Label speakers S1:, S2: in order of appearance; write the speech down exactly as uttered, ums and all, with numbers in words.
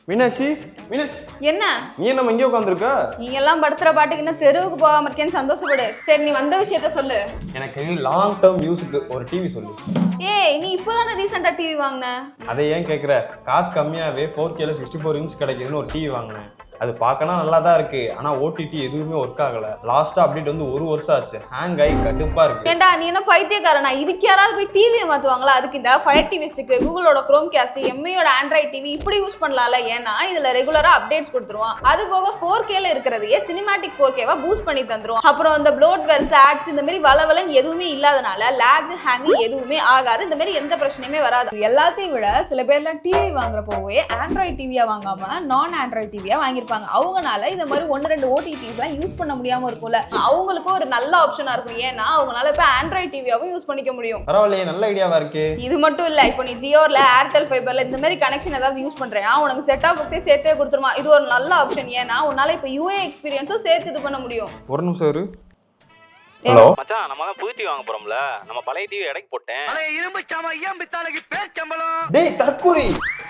S1: மீனாட்சி மீனாட்சி
S2: என்ன
S1: நீ நம்ம இங்கே உட்காந்துருக்க?
S2: நீங்க எல்லாம் படுத்துற பாட்டுக்கு இன்னும் தெருவுக்கு போகாம இருக்கேன்னு சந்தோஷப்படு. சரி நீ வந்த விஷயத்த சொல்லு.
S1: எனக்கு லாங் டேர்ம் யூஸுக்கு ஒரு டிவி சொல்லு.
S2: ஏய் நீ இப்போதானே ரீசெண்டா டிவி வாங்கின.
S1: அதை ஏன் கேட்குற? காசு கம்மியாகவே ஃபோர் கேல சிக்ஸ்டி ஃபோர் இன்ச் கிடைக்குதுன்னு ஒரு டிவி வாங்கினேன். அது பார்க்கணும் நல்லா தான் இருக்கு, ஆனா ஓடிடி எதுவுமே ஒர்க் ஆகல. லாஸ்டா அப்டேட் வந்து ஒரு வருஷம் ஆச்சு, ஹேங் ஆகி கடுப்பா இருக்கு.
S2: ஏண்டா நீ என்ன பைத்தியக்காரனா? இதுக்கு யாராவது போய் டிவியை மாத்துவாங்களா? அதுக்கு இந்த ஃபயர் டிவி ஸ்டிக், கூகுளோட குரோம் கேஸ்ட், எம்ஐயோட ஆண்ட்ராய்ட் டிவி இப்படி யூஸ் பண்ணலாம்ல. ஏன்னா இதுல ரெகுலரா அப்டேட்ஸ் கொடுத்துருவான். அது போக ஃபோர் கேல இருக்கிறதையே சினிமாட்டிக் ஃபோர் கேவா பூஸ்ட் பண்ணி தந்துரும். அப்புறம் இந்த ப்ளோட்வேர், ஆட்ஸ் இந்த மாதிரி வளவலன்னு எதுவுமே இல்லாதனால லேக் ஹேங் எதுவுமே ஆகாது. இந்த மாதிரி எந்த பிரச்சனையுமே வராது. எல்லாத்தையும் விட சில பேர்லாம் டிவி வாங்குறப்போவே ஆண்ட்ராய்ட் டிவியா வாங்காம நான் ஆண்ட்ராய்ட் டிவியா வாங்கிருப்பாங்க. அவங்கனால இந்த மாதிரி ஒன்னு ரெண்டு ஓடிடிஸ் எல்லாம் யூஸ் பண்ண முடியாம இருக்கும்ல, அவங்களுக்கும் ஒரு நல்ல ஆப்ஷனா இருக்கும். ஏன்னா அவங்களால இப்ப ஆண்ட்ராய்ட் டிவியாவும் யூஸ் பண்ணிக்க முடியும்.
S1: பரவாயில்லையே, நல்ல ஐடியாவா இருக்கு.
S2: இது மட்டும் இல்ல, இப்போ நீ ஜியோல ஏர்டெல் ஃபைபர்ல இந்த மாதிரி கனெக்ஷன் ஏதாவது யூஸ் பண்றேன்னா உனக்கு செட் ஆஃப் பாக்ஸே சேர்த்தே கொடுத்துருமா. இது ஒரு நல்ல ஆப்ஷன். ஏன்னா உன்னால இப்ப யூஏ எக்ஸ்பீரியன்ஸும் சேர்த்து இது பண்ண முடியும்.
S1: ஒரு நிமிஷம் இரு. ஹலோ
S3: மச்சான், நம்ம தான் புது டிவி வாங்க போறோம்ல, நம்ம பழைய டிவி எடைக்கு போட்டேன்.
S4: பழைய இரும்பு சாமா ஐயா பித்தாளைக்கு பேர் சம்பளம்.
S1: டேய் தற்கூரி,